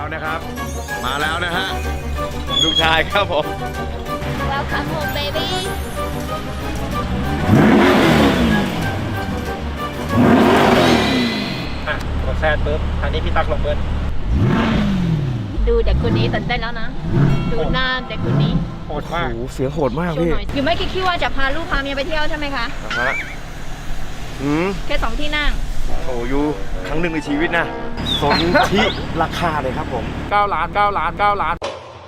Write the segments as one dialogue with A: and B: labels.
A: นะครับ มาแล้วนะฮะลูกชายครับผม
B: Welcome home baby
C: กดแซดปุ๊บอันนี้พี่ตักลงเบิ้ล
B: ดูเด็กคนนี้ตื่นเต้นแล้วนะ ดูหน้าเด็กคนนี้
C: โหดมาก
A: โอ้โหเสียงโหดมาก
B: ช่วย
A: พี่
B: หน่อยอยู่ไม่คิดว่าจะพาลูกพาเมียไปเที่ยวใช่ไหมคะ
A: นะฮะ
B: แค่2 ที่นั่ง
A: โอ้ยูครั้งหนึ่งในชีวิตนะสนที่ราคาเลยครับผม
C: 9 ล้าน 9 ล้าน 9 ล้าน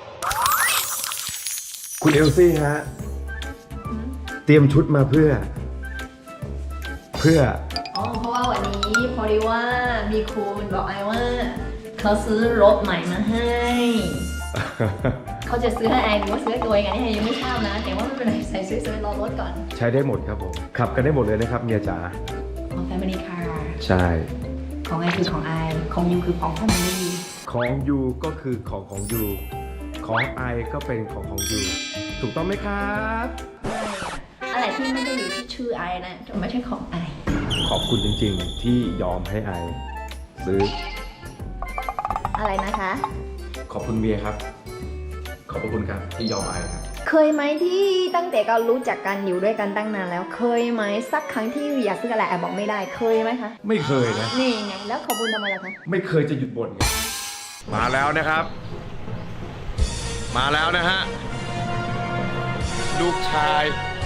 A: คุณเอลซี่ฮะเตรียมชุดมาเพื่อ
B: อ๋อ เพราะว่าวันนี้พอดีว่ามีคุณบอกไอว่าเขาซื้อรถใหม่มาให้ เขาจะซื้อให้ไอหรือว่าซื้อให้ตัวเองอันนี้ไอยังไม่ทราบนะ แต่ว่าไม่เป็นไรใส่ซื้อรอรถก่อน
A: ใช้ได้หมดครับผมขับกันได้หมดเลยนะครับเมียจ๋า
B: ของ Family Car
A: ใช่
B: ของไอคือของไอของยูคือของ Family
A: ของยูก็คือของยูของไอก็เป็นของยูถูกต้องไหมครับ
B: อะไรที่ไม่ได้อยู่ที่ชื่อไอนะจะไม่ใช่ของไอ
A: ขอบคุณจริงๆที่ยอมให้ไอซื้อ
B: อะไรนะคะ
A: ขอบคุณเมียครับ ขอบคุณครับที่ยอมไอครับ
B: เคยไหมที่ตั้งแต่เรารู้จักกันอยู่ด้วยกันตั้งนานแล้ว เคยไหมสักครั้งที่อยากซื้ออะไรแอบบอกไม่ได้เคยไหมคะ
A: ไม่เคยนะ
B: นี่ไงแล้วขอบคุณทำไมล่ะคะ
A: ไม่เคยจะหยุดบ่นไงมาแล้วนะครับ มาแล้วนะฮะลูกชาย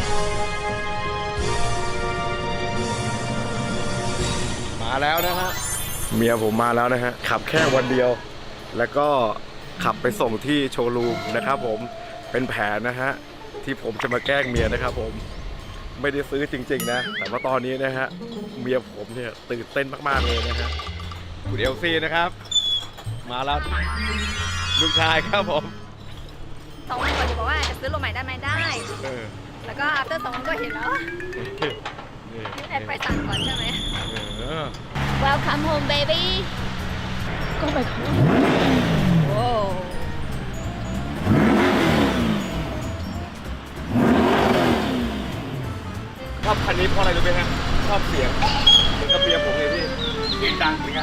A: มาแล้วนะฮะเมียผมมาแล้วนะฮะขับแค่วันเดียว แล้วก็ขับไปส่งที่โชว์รูมนะครับผมเป็นแผนนะฮะที่ผมจะมาแกล้งเมียนะครับผมไม่ได้ซื้อจริงๆนะแต่ว่าตอนนี้นะฮะเมียผมเนี่ยตื่นเต้นมากๆเลยนะฮะคุณเอลซี่นะครับมาแล้วลูกชายครับผม
B: 2 วันก่อนจะบอกว่าจะซื้อรถใหม่ได้ไหมได้ แล้วก็ after 2 วันก็เห็นแล้วยืดแอดไปสั่งก่อนใช่ไหม Welcome home baby ก็ไปเขาโอ้
A: ชอบคันนี้เพราะอะไรรู้ไหมฮะชอบเสียงเหมือนกับเมียผมเลยพี่เสียงดังเหมือนกัน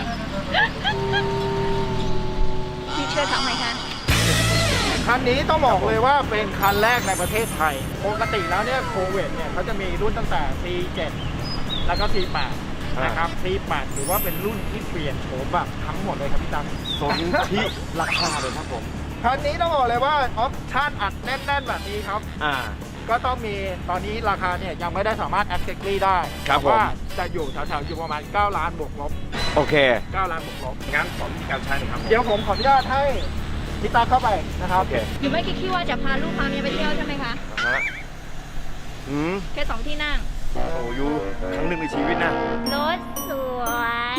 B: พี่เชื่อเขาไหมคะ
C: คันนี้ต้องบอกเลยว่าเป็นคันแรกในประเทศไทย ปกติแล้วเนี่ยโคเวตเนี่ยเขาจะมีรุ่นตั้งแต่ C7 แล้วก็ C8 นะครับ C8 ถือว่าเป็นรุ่นที่เปลี่ยนโฉมแบบทั้งหมดเลยครับพี่ตั้ม
A: สนที่ราคาเลยครับผม
C: คันนี้ต้องบอกเลยว่าออปชั่นอัดแน่นๆแบบนี้ครับ ก็ต้องมีตอนนี้ราคาเนี่ยยังไม่ได้สามารถ exactly ได้
A: ครับผม
C: ว่าจะอยู่แถวๆอยู่ประมาณ 9 ล้านบวกลบ
A: โอเค
C: 9 ล้านบวกลบ
A: งั้นสอนวิธีการใช้หน่อยครับ
C: เดี๋ยวผมขออนุญาตให้พี่ตาเข้าไปนะครับ
A: โอเค
B: อยู่ไม่คิดว่าจะพาลูกพาเมียไปเที่ยวใช่ไหมคะ
A: ฮะ
B: แค่ 2 ที่นั่ง
A: โอ้ยูครั้งหนึ่งในชีวิตนะ
B: รถสวย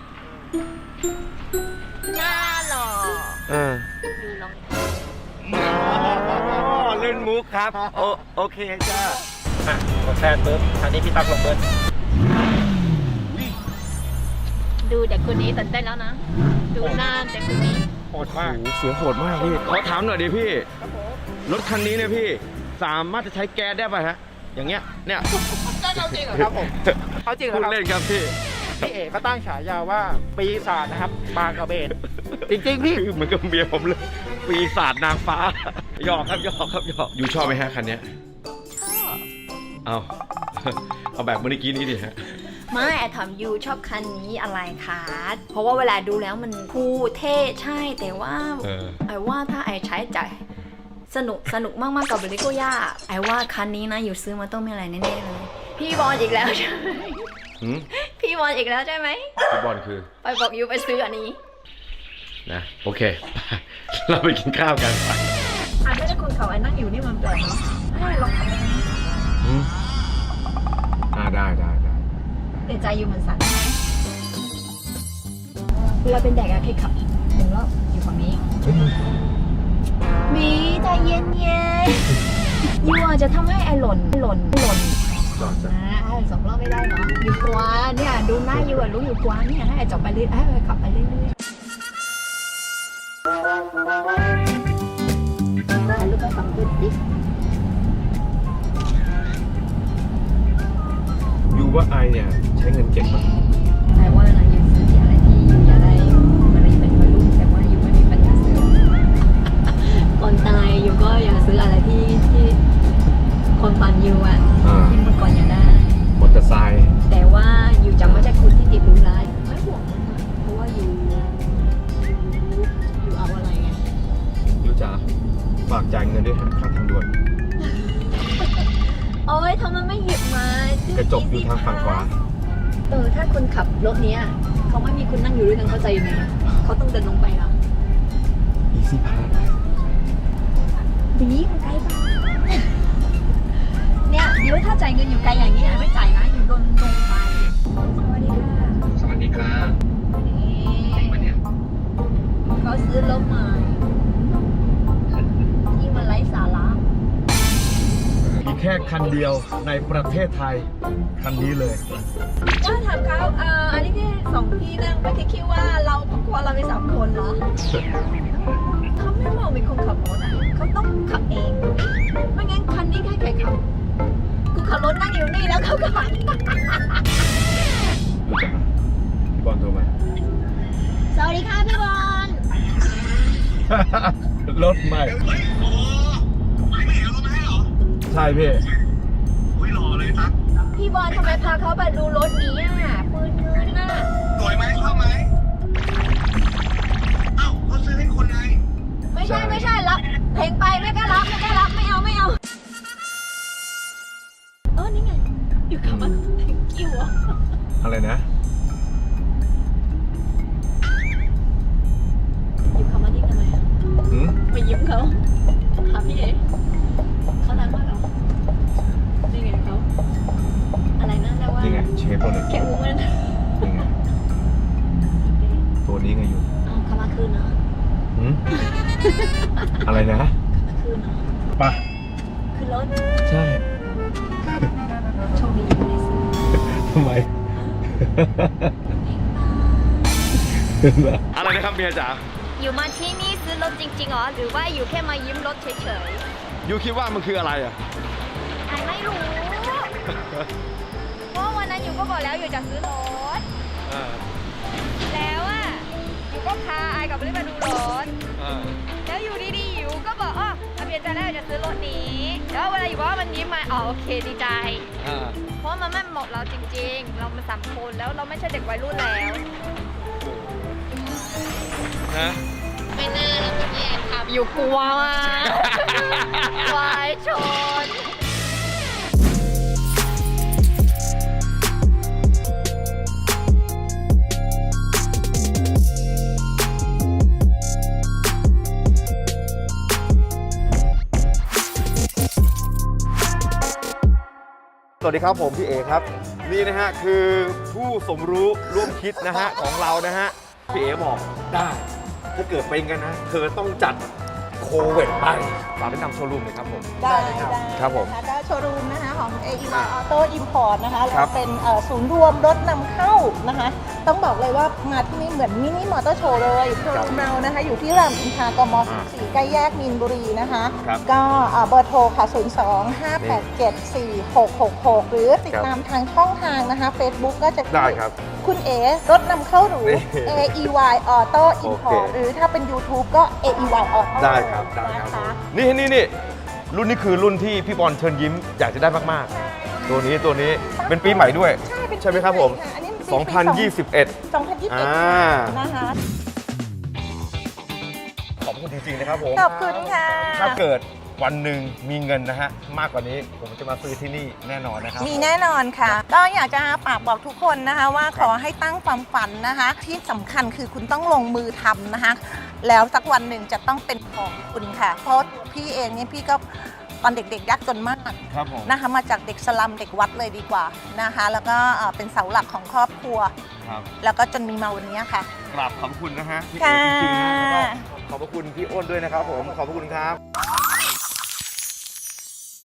B: หน้าหล่อดูลอง
A: เล่นมุกครับโอเคจ้าก
C: ดแซดปุ๊บอันนี้พี่ตักลงเบิ้ล
B: ดูเด็กคนนี้ตื่นเต้นแล้วนะ ดูหน้าเด็กคนนี้
C: โหดมาก
A: โอ้เสียงโหดมากพี่ขอถามหน่อยดิพี่รถคันนี้เนี่ยพี่สามารถจะใช้แก๊สได้ป่ะฮะอย่างเงี้ยเนี่ย
C: เอาจริงเหรอครับผมเอาจริงเหร
A: พู
C: อ
A: ด
C: ครับ
A: เล่นครับพี่
C: พี่เอกเขาตั้งฉายาว่าปีศาจนะครับบางกระเบน จริงๆพี่
A: คือเหมือนกับเมียผมเลยปีศาจนางฟ้าหยอกครับหยอกครับหยอกยูชอบไหมฮะคันเนี้ย
B: ชอบ
A: เอาแบบเมื่อกี้นี้ดิฮะ
B: ไม่แอดถามยูชอบคันนี้อะไรคะเพราะว่าเวลาดูแล้วมันคูลเท่ใช่แต่ว่าไอ้ว่าถ้าไอ้ใช้จ่ายสนุกมากๆกับเบลิโกย่าไอ้ว่าคันนี้นะอยู่ซื้อมาต้องมีอะไรแน่ๆเลยพี่บอลอีกแล้วใช่ไหมพี่บอลอีกแล้วใช่ไหม
A: พี่บอลคือ
B: ไปบอกยูไปซื้ออันนี้
A: นะโอเค เราไปกินข้าวกันไป
B: อันไม่ได้คนเขาไอ้นั่งอยู่นี่มันแปลกเนาะให้ลองทำ
A: ได้
B: แต่ใจยูมันสั่นใช่ไหมเวลาเป็นเด็กอะเคยขับ1 รอบอยู่ฝั่งนี้มีใจเย็นๆยูอาจจะทำให้ไอ้หล่น
A: จอดจ้ะ
B: ไอ้2 รอบไม่ได้เนาะอยู่กว่าเนี่ยดูหน้ายูอะรู้อยู่กว่าเนี่ยให้ไอ้จบไปเรื่อยให้ไอ้ขับไปเรื่อยถ่ายรูปไปฝั่งคุณดิ
A: ยูว่าไอเนี่ยใช้เงินเก็บมั้ย
B: ไอ้ว่านะยูซื้ออะไรที่ยูอยากได้อะไรเป็นวัยรุ่นแต่ว่ายูไม่มีปัญญาอยู่ก็อยากซื้ออะไรที่คนฟันอยู่อ่ะที่เมื่อก่อนอยากได้
A: มอเตอร์ไซค์
B: แต่ว่าอยู่จะไม่ใช่คนที่ติดรู้ร้ายไม่ห่วงมันนะเพราะว่าอยู่เอาอะไรไง
A: ยูจ๋าฝากจ่ายเงินด้วยฮะค่าทางด่วน
B: โอ้ยทำไมไม่หยิบมาก
A: ระจกอยู่ทางฝั่งขวา
B: ถ้าคนขับรถเนี้ยเขาไม่มีคุณนั่งอยู่ด้วยกันเข้าใจยังไงเขาต้องเดินลงไปอ่ะ
A: Easy Pass
B: ดีมันไกลไปเนี่ยเดี๋ยวถ้าจ่ายเงินอยู่ไกลอย่างนี้ไม่จ่ายนะอยู่โดนลงไปสวัสดีค่ะ
D: สวัสดีครับ
B: เขาซื้อรถใหม่ที่มันไร้สาระ
A: มีแค่คันเดียวในประเทศไทย คันนี้เลย
B: ก็ถามเขาอันนี้แค่2 ที่นั่งไม่ได้คิดว่าเราครอบครัวเรามี3 คนเหรอเขาไม่มองเป็นคนขับรถอ่ะเขาต้องขับเองไม่งั้นคันนี้ใครขับกูขับรถนั่งอยู่นี่แล้วเขาก็ขับ
A: ดูจ้ะพี่บอลโทรมา
B: สวัสดีค่ะพี่บอล
A: รถใหม่
D: เฮ้ยโอ้ไม่เห็นเราไม่ให้เหรอ
A: ใช่พี่
D: อุ้ยหล่อเลยตั๊ก
B: พี่บอลทำไมพาเขาไปดูรถนี้อ่ะปืนเงินน่ะ
D: สวยไหมชอบไหมเอ้าเขาซื้อให้คนไง
B: ไม่ใช่รับเพลงไปไม่กล้ารับไม่เอานี่ไงอยู่กับมันกิ้วอ่ะ
A: อะไรนะ
B: อยู่กับมันนี่ทำไมอ่ะ
A: หืม
B: ไปยิ้มเขาหาพี่เอ๋เขารักมากเหรอนี่ไงเขาอะไรนะเรียกว่า
A: นี่ไงเชฟตัวหนึ่ง
B: แค่อุ้มมัน
A: นี่ไง ตัวนี้ไงอยู่
B: เขามาคืนเนาะ
A: หืมอะไรนะ
B: มาคืนเนาะ
A: ปะ
B: คือรถ
A: ใช่
B: โชคดีไม่ได้ซื้อ
A: ทำไม อะไรนะครับเมียจ๋า
B: อยู่มาที่นี่ซื้อรถจริงๆเหรอหรือว่าอยู่แค่มายิ้มรถเฉย
A: ยูคิดว่ามันคืออะไรอ่ะ
B: ๆไอไม่รู้ เพราะวันนั้นอยู่ก็บอกแล้วอยู่จะซื้อรถ แล้วอ่ะอยู่ก็พาไอกับลิไปดูรถ แล้วอยู่ดีๆอยู่ก็บอกอาเบียนจะได้จะซื้อรถนี้ แล้วเวลาอยู่ว่ามันยิ้มมาโอเคดีใจ เพราะมันไม่เหมาะเราจริงๆ เรามา3 คนแล้วเราไม่ใช่เด็กวัยรุ่นแล้ว
A: ฮะ
B: ไม่น่าแล้วเมื่อกี้แอนขับอยู่กลัวมากวายชน
A: สวัสดีครับผมพี่เอครับ นี่นะฮะคือผู้สมรู้ร่วมคิดนะฮะของเรานะฮะพี่เอบอกได้ ถ้าเกิดเป็นกันนะเธอต้องจัดโควิดไปฝากแนะนำโชว์รูมเลยครับผม
E: ได้
A: ครับผม
E: นะคะก็โชว์รูมนะคะของ AEY Auto Import นะคะ
A: ครั
E: เรา
A: บ
E: เป็นศูนย์รวมรถนำเข้านะคะ ต้องบอกเลยว่ามาที่นี่เหมือนมินิมอเตอร์โชว์เลยโชว์รูมเรานะคะอยู่ที่รามอินทรากม 14 ใกล้แยกมีนบุรีนะคะ
A: ครับ
E: ก็เบอร์โทรค่ะ 02-587-4666 หรือติดตามทางช่องทางนะคะ Facebook ก็จะ
A: ได้ครับ
E: คุณเอรถนำเข้าหรู
A: นี่
E: AEY Auto
A: โอ
E: Import
A: เค
E: หรือถ้าเป็น YouTube ก็ AEY Auto
A: ได้ครับได้ครับ
E: นะคะ
A: นี่รุ่นนี้คือรุ่นที่พี่บอลเชิญยิ้มอยากจะได้มากๆ ตัวนี้เป็นปีใหม่ด้วย ใช่ไหมครับผม
E: อันนี้เป็นปี
A: 2021
E: 2021 นะคะ
A: ขอบคุณจริงๆนะครับผม
E: ขอบคุณค่ะ
A: ถ้าเกิดวันหนึ่งมีเงินนะฮะมากกว่านี้ผมจะมาซื้อที่นี่แน่นอนนะครับ
E: มีแน่นอนค่ะ ก็อยากจะฝากบอกทุกคนนะคะว่าขอให้ตั้งความฝันนะคะ ที่สำคัญคือคุณต้องลงมือทำนะคะ แล้วสักวันหนึ่งจะต้องเป็นของคุณค่ะ เพราะพี่เองเนี่ยพี่ก็ตอนเด็กๆยากจนมาก
A: ครับผม
E: นะคะมาจากเด็กสลัมเด็กวัดเลยดีกว่านะคะ แล้วก็เป็นเสาหลักของครอบครัว
A: ครับ
E: แล้วก็จนมีมาวันนี้ค่ะ
A: กราบขอบคุณนะฮะพี่
E: ค่ะ
A: เอจริงๆนะแล้วก็ขอบพระคุณพี่อ้นด้วยนะครับผมขอบพระคุณครับ